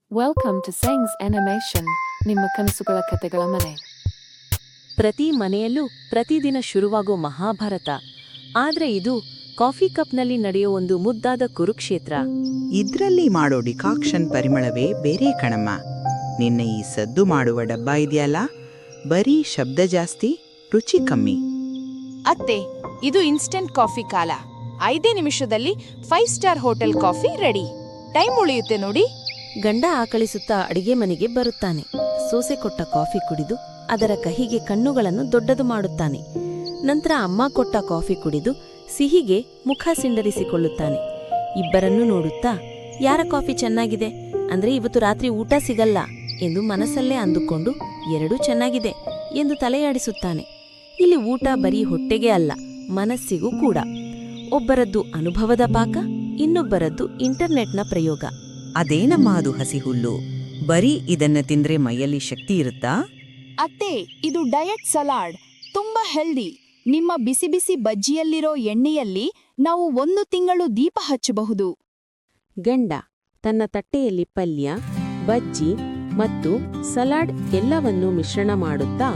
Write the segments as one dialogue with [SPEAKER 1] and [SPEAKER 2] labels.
[SPEAKER 1] Welcome to science animation, ನಿಮ್ಮ ಕನಸುಗಳ ಕತೆಗಳ ಮನೆ.
[SPEAKER 2] ಪ್ರತಿ ಮನೆಯಲ್ಲೂ ಪ್ರತಿದಿನ ಶುರುವಾಗೋ ಮಹಾಭಾರತ. ಆದ್ರೆ ಇದು ಕಾಫಿ ಕಪ್ನಲ್ಲಿ ನಡೆಯೋ ಒಂದು ಮುದ್ದಾದ ಕುರುಕ್ಷೇತ್ರ.
[SPEAKER 3] ಇದ್ರಲ್ಲಿ ಮಾಡೋ ಡಿಕಾಕ್ಷನ್ ಪರಿಮಳವೇ ಬೇರೆ ಕಣಮ್ಮ. ನಿನ್ನ ಈ ಸದ್ದು ಮಾಡುವ ಡಬ್ಬ ಇದೆಯಲ್ಲ, ಬರೀ ಶಬ್ದ ಜಾಸ್ತಿ, ರುಚಿ ಕಮ್ಮಿ.
[SPEAKER 4] ಅತ್ತೆ, ಇದು ಇನ್ಸ್ಟೆಂಟ್ ಕಾಫಿ ಕಾಲ. 5 ನಿಮಿಷದಲ್ಲಿ 5 star hotel coffee ready. Time ಉಳಿಯುತ್ತೆ ನೋಡಿ.
[SPEAKER 2] ಗಂಡ ಆಕಳಿಸುತ್ತಾ ಅಡಿಗೆ ಮನೆಗೆ ಬರುತ್ತಾನೆ. ಸೋಸೆ ಕೊಟ್ಟ ಕಾಫಿ ಕುಡಿದು ಅದರ ಕಹಿಗೆ ಕಣ್ಣುಗಳನ್ನು ದೊಡ್ಡದು ಮಾಡುತ್ತಾನೆ. ನಂತರ ಅಮ್ಮ ಕೊಟ್ಟ ಕಾಫಿ ಕುಡಿದು ಸಿಹಿಗೆ ಮುಖ ಸಿಂಡರಿಸಿಕೊಳ್ಳುತ್ತಾನೆ. ಇಬ್ಬರನ್ನೂ ನೋಡುತ್ತಾ, ಯಾರ ಕಾಫಿ ಚೆನ್ನಾಗಿದೆ ಅಂದ್ರೆ ಇವತ್ತು ರಾತ್ರಿ ಊಟ ಸಿಗಲ್ಲ ಎಂದು ಮನಸ್ಸಲ್ಲೇ ಅಂದುಕೊಂಡು ಎರಡೂ ಚೆನ್ನಾಗಿದೆ ಎಂದು ತಲೆಯಾಡಿಸುತ್ತಾನೆ. ಇಲ್ಲಿ ಊಟ ಬರೀ ಹೊಟ್ಟೆಗೆ ಅಲ್ಲ, ಮನಸ್ಸಿಗೂ ಕೂಡ. ಒಬ್ಬರದ್ದು ಅನುಭವದ ಪಾಕ, ಇನ್ನೊಬ್ಬರದ್ದು ಇಂಟರ್ನೆಟ್ನ ಪ್ರಯೋಗ.
[SPEAKER 5] ಅದೇನಮ್ಮ ಅದು ಹಸಿ ಹುಲ್ಲು? ಬರೀ ಇದನ್ನ ತಿಂದ್ರೆ ಮೈಯಲ್ಲಿ ಶಕ್ತಿ ಇರುತ್ತಾ?
[SPEAKER 4] ಅತ್ತೆ, ಇದು ಡಯಟ್ ಸಲಾಡ್, ತುಂಬಾ ಹೆಲ್ದಿ. ನಿಮ್ಮ ಬಿಸಿ ಬಿಸಿ ಬಜ್ಜಿಯಲ್ಲಿರೋ ಎಣ್ಣೆಯಲ್ಲಿ ನಾವು 1 ತಿಂಗಳು ದೀಪ ಹಚ್ಚಬಹುದು.
[SPEAKER 2] ಗಂಡ ತನ್ನ ತಟ್ಟೆಯಲ್ಲಿ ಪಲ್ಯ, ಬಜ್ಜಿ ಮತ್ತು ಸಲಾಡ್ ಎಲ್ಲವನ್ನೂ ಮಿಶ್ರಣ ಮಾಡುತ್ತಾ,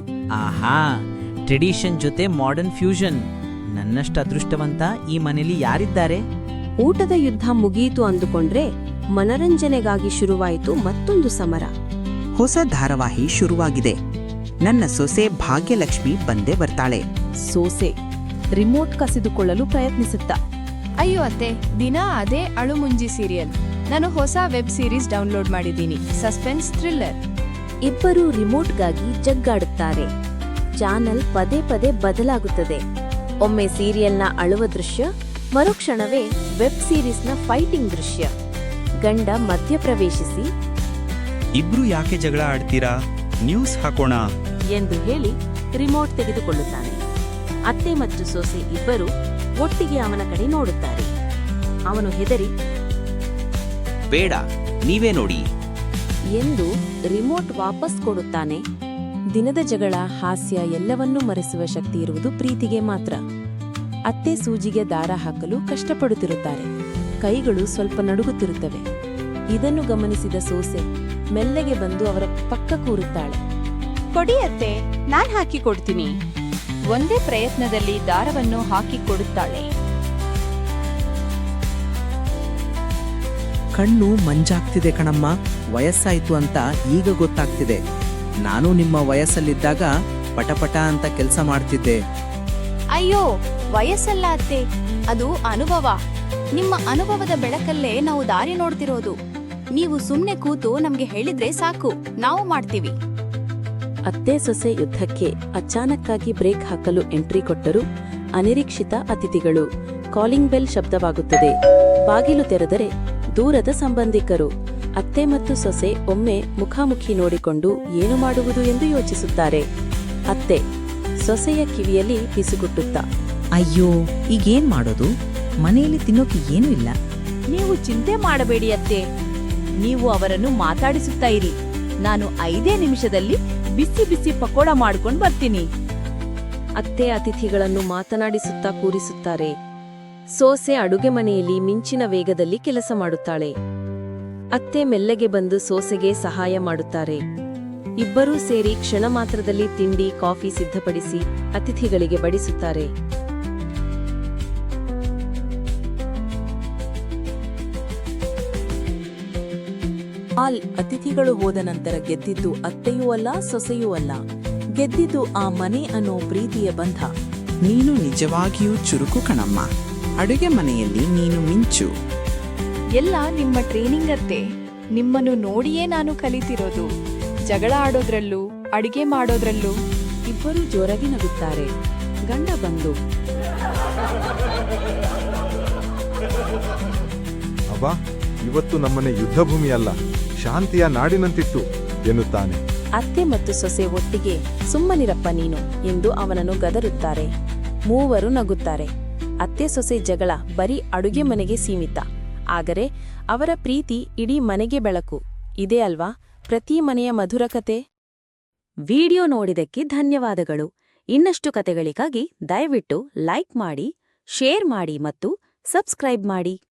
[SPEAKER 6] ಆಹಾ, ಟ್ರೆಡಿಷನ್ ಜೊತೆ ಮಾಡರ್ನ್ ಫ್ಯೂಷನ್. ನನ್ನಷ್ಟು ಅದೃಷ್ಟವಂತ ಈ ಮನೆಯಲ್ಲಿ ಯಾರಿದ್ದಾರೆ?
[SPEAKER 2] ಊಟದ ಯುದ್ಧ ಮುಗಿಯಿತು ಅಂದುಕೊಂಡ್ರೆ ಮನರಂಜನೆಗಾಗಿ ಶುರುವಾಯಿತು ಮತ್ತೊಂದು ಸಮರ.
[SPEAKER 3] ಹೊಸ ಧಾರಾವಾಹಿ ಶುರುವಾಗಿದೆ. ನನ್ನ ಸೊಸೆ ಭಾಗ್ಯಲಕ್ಷ್ಮಿ ಬಂದೇ ಬರ್ತಾಳೆ.
[SPEAKER 2] ಸೋಸೆ ರಿಮೋಟ್ ಕಸಿದುಕೊಳ್ಳಲು ಪ್ರಯತ್ನಿಸುತ್ತಾ,
[SPEAKER 4] ಅಯ್ಯೋ ಅತ್ತೆ, ದಿನ ಅದೇ ಅಳುಮುಂಜಿ ಸೀರಿಯಲ್. ನಾನು ಹೊಸ ವೆಬ್ ಸೀರೀಸ್ ಡೌನ್ಲೋಡ್ ಮಾಡಿದ್ದೀನಿ, ಸಸ್ಪೆನ್ಸ್ ಥ್ರಿಲ್ಲರ್.
[SPEAKER 2] ಇಬ್ಬರೂ ರಿಮೋಟ್ಗಾಗಿ ಜಗ್ಗಾಡುತ್ತಾರೆ. ಚಾನಲ್ ಪದೇ ಪದೇ ಬದಲಾಗುತ್ತದೆ. ಒಮ್ಮೆ ಸೀರಿಯಲ್ನ ಅಳುವ ದೃಶ್ಯ, ಮರುಕ್ಷಣವೇ ವೆಬ್ ಸೀರೀಸ್ನ ಫೈಟಿಂಗ್ ದೃಶ್ಯ. ಗಂಡ ಮಧ್ಯಪ್ರವೇಶಿಸಿ,
[SPEAKER 7] ಇಬ್ರು ಯಾಕೆ ಜಗಳ ಆಡ್ತೀರಾ? ನ್ಯೂಸ್ ಹಾಕೋಣ
[SPEAKER 2] ಎಂದು ಹೇಳಿ ರಿಮೋಟ್ ತೆಗೆದುಕೊಳ್ಳುತ್ತಾನೆ. ಅತ್ತೆ ಮತ್ತು ಸೊಸೆ ಇಬ್ಬರು ಒಟ್ಟಿಗೆ ಅವನ ಕಡೆ ನೋಡುತ್ತಾರೆ. ಅವನು ಹೆದರಿ,
[SPEAKER 7] ಬೇಡ, ನೀವೇ ನೋಡಿ
[SPEAKER 2] ಎಂದು ರಿಮೋಟ್ ವಾಪಸ್ ಕೊಡುತ್ತಾನೆ. ದಿನದ ಜಗಳ, ಹಾಸ್ಯ ಎಲ್ಲವನ್ನೂ ಮರೆಸುವ ಶಕ್ತಿ ಇರುವುದು ಪ್ರೀತಿಗೆ ಮಾತ್ರ. ಅತ್ತೆ ಸೂಜಿಗೆ ದಾರ ಹಾಕಲು ಕಷ್ಟಪಡುತ್ತಿರುತ್ತಾರೆ. ಕೈಗಳು ಸ್ವಲ್ಪ ನಡುಗುತ್ತಿರುತ್ತವೆ. ಇದನ್ನು ಗಮನಿಸಿದ ಸೋಸೆ ಮೆಲ್ಲಗೆ ಬಂದು ಅವರ ಪಕ್ಕ ಕೂರುತ್ತಾಳೆ.
[SPEAKER 4] ಕೊಡಿ ಅತ್ತೆ, ನಾನ್ ಹಾಕಿ ಕೊಡ್ತೀನಿ. ಒಂದೇ ಪ್ರಯತ್ನದಲ್ಲಿ ದಾರವನ್ನು ಹಾಕಿ ಕೊಡುತ್ತಾಳೆ.
[SPEAKER 5] ಕಣ್ಣು ಮಂಜಾಗ್ತಿದೆ ಕಣಮ್ಮ. ವಯಸ್ಸಾಯ್ತು ಅಂತ ಈಗ ಗೊತ್ತಾಗ್ತಿದೆ. ನಾನು ನಿಮ್ಮ ವಯಸ್ಸಲ್ಲಿದ್ದಾಗ ಪಟಪಟ ಅಂತ ಕೆಲಸ ಮಾಡ್ತಿದ್ದೆ.
[SPEAKER 4] ಅಯ್ಯೋ, ವಯಸ್ಸಲ್ಲ ಅತ್ತೆ, ಅದು ಅನುಭವ. ನಿಮ್ಮ ಅನುಭವದ ಬೆಳಕಲ್ಲೇ ನಾವು ದಾರಿ ನೋಡ್ತಿರೋದು. ನೀವು ಸುಮ್ನೆ ಕೂತು ನಮ್ಗೆ ಹೇಳಿದ್ರೆ ಸಾಕು, ನಾವು ಮಾಡ್ತೀವಿ.
[SPEAKER 2] ಅತ್ತೆ ಸೊಸೆ ಯುದ್ಧಕ್ಕೆ ಅಚಾನಕ್ಕಾಗಿ ಬ್ರೇಕ್ ಹಾಕಲು ಎಂಟ್ರಿ ಕೊಟ್ಟರು ಅನಿರೀಕ್ಷಿತ ಅತಿಥಿಗಳು. ಕಾಲಿಂಗ್ ಬೆಲ್ ಶಬ್ದವಾಗುತ್ತದೆ. ಬಾಗಿಲು ತೆರೆದರೆ ದೂರದ ಸಂಬಂಧಿಕರು. ಅತ್ತೆ ಮತ್ತು ಸೊಸೆ ಒಮ್ಮೆ ಮುಖಾಮುಖಿ ನೋಡಿಕೊಂಡು ಏನು ಮಾಡುವುದು ಎಂದು ಯೋಚಿಸುತ್ತಾರೆ. ಅತ್ತೆ ಸೊಸೆಯ ಕಿವಿಯಲ್ಲಿ ಪಿಸುಗುಟ್ಟುತ್ತಾ,
[SPEAKER 5] ಅಯ್ಯೋ, ಈಗೇನ್ ಮಾಡೋದು? ಮನೆಯಲ್ಲಿ ತಿನ್ನೋಕೆ ಏನೂ ಇಲ್ಲ.
[SPEAKER 4] ನೀವು ಚಿಂತೆ ಮಾಡಬೇಡಿ ಅತ್ತೆ, ನೀವು ಅವರನ್ನು ಮಾತಾಡಿಸುತ್ತಾ ಇರಿ. ನಾನು 5 ನಿಮಿಷದಲ್ಲಿ ಬಿಸಿ ಬಿಸಿ ಪಕೋಡ ಮಾಡ್ಕೊಂಡು ಬರ್ತೀನಿ.
[SPEAKER 2] ಅತ್ತೆ ಅತಿಥಿಗಳನ್ನು ಮಾತನಾಡಿಸುತ್ತಾ ಕೂರಿಸುತ್ತಾರೆ. ಸೋಸೆ ಅಡುಗೆ ಮನೆಯಲ್ಲಿ ಮಿಂಚಿನ ವೇಗದಲ್ಲಿ ಕೆಲಸ ಮಾಡುತ್ತಾಳೆ. ಅತ್ತೆ ಮೆಲ್ಲಗೆ ಬಂದು ಸೋಸೆಗೆ ಸಹಾಯ ಮಾಡುತ್ತಾರೆ. ಇಬ್ಬರೂ ಸೇರಿ ಕ್ಷಣ ಮಾತ್ರದಲ್ಲಿ ತಿಂಡಿ, ಕಾಫಿ ಸಿದ್ಧಪಡಿಸಿ ಅತಿಥಿಗಳಿಗೆ ಬಡಿಸುತ್ತಾರೆ. ಅತಿಥಿಗಳು ಹೋದ ನಂತರ ಗೆದ್ದಿದ್ದು ಅತ್ತೆಯೂ ಅಲ್ಲ, ಸೊಸೆಯೂ ಅಲ್ಲ. ಗೆದ್ದಿದ್ದು ಆ ಮನೆ ಅನ್ನೋ ಪ್ರೀತಿಯ ಬಂಧ.
[SPEAKER 3] ನೀನು ನಿಜವಾಗಿಯೂ ಚುರುಕು ಕಣಮ್ಮ. ಅಡುಗೆ ಮನೆಯಲ್ಲಿ ನೀನು ಮಿಂಚು.
[SPEAKER 4] ಎಲ್ಲ ನಿಮ್ಮ ಟ್ರೈನಿಂಗ್ ಅತ್ತೆ. ನಿಮ್ಮನ್ನು ನೋಡಿಯೇ ನಾನು ಕಲಿತಿರೋದು. ಜಗಳ ಆಡೋದ್ರಲ್ಲೂ ಅಡಿಗೆ ಮಾಡೋದ್ರಲ್ಲೂ.
[SPEAKER 2] ಇಬ್ಬರೂ ಜೋರಾಗಿ ನಗುತ್ತಾರೆ. ಗಂಡ ಬಂದು,
[SPEAKER 8] ಅಬ್ಬಾ, ಇವತ್ತು ನಮ್ಮನೆ ಯುದ್ಧ ಭೂಮಿ ಅಲ್ಲ, ಶಾಂತಿಯ ನಾಡಿನಂತಿತ್ತು ಎನ್ನುತ್ತಾನೆ.
[SPEAKER 2] ಅತ್ತೆ ಮತ್ತು ಸೊಸೆ ಒಟ್ಟಿಗೆ ಸುಮ್ಮನಿರಪ್ಪ ನೀನು ಎಂದು ಅವನನ್ನು ಗದರುತ್ತಾರೆ. ಮೂವರು ನಗುತ್ತಾರೆ. ಅತ್ತೆ ಸೊಸೆ ಜಗಳ ಬರೀ ಅಡುಗೆ ಮನೆಗೆ ಸೀಮಿತ. ಆದರೆ ಅವರ ಪ್ರೀತಿ ಇಡೀ ಮನೆಗೆ ಬೆಳಕು. ಇದೇ ಅಲ್ವಾ ಪ್ರತಿ ಮನೆಯ ಮಧುರ ಕತೆ? ವಿಡಿಯೋ ನೋಡಿದಕ್ಕೆ ಧನ್ಯವಾದಗಳು. ಇನ್ನಷ್ಟು ಕತೆಗಳಿಗಾಗಿ ದಯವಿಟ್ಟು ಲೈಕ್ ಮಾಡಿ, ಶೇರ್ ಮಾಡಿ ಮತ್ತು ಸಬ್ಸ್ಕ್ರೈಬ್ ಮಾಡಿ.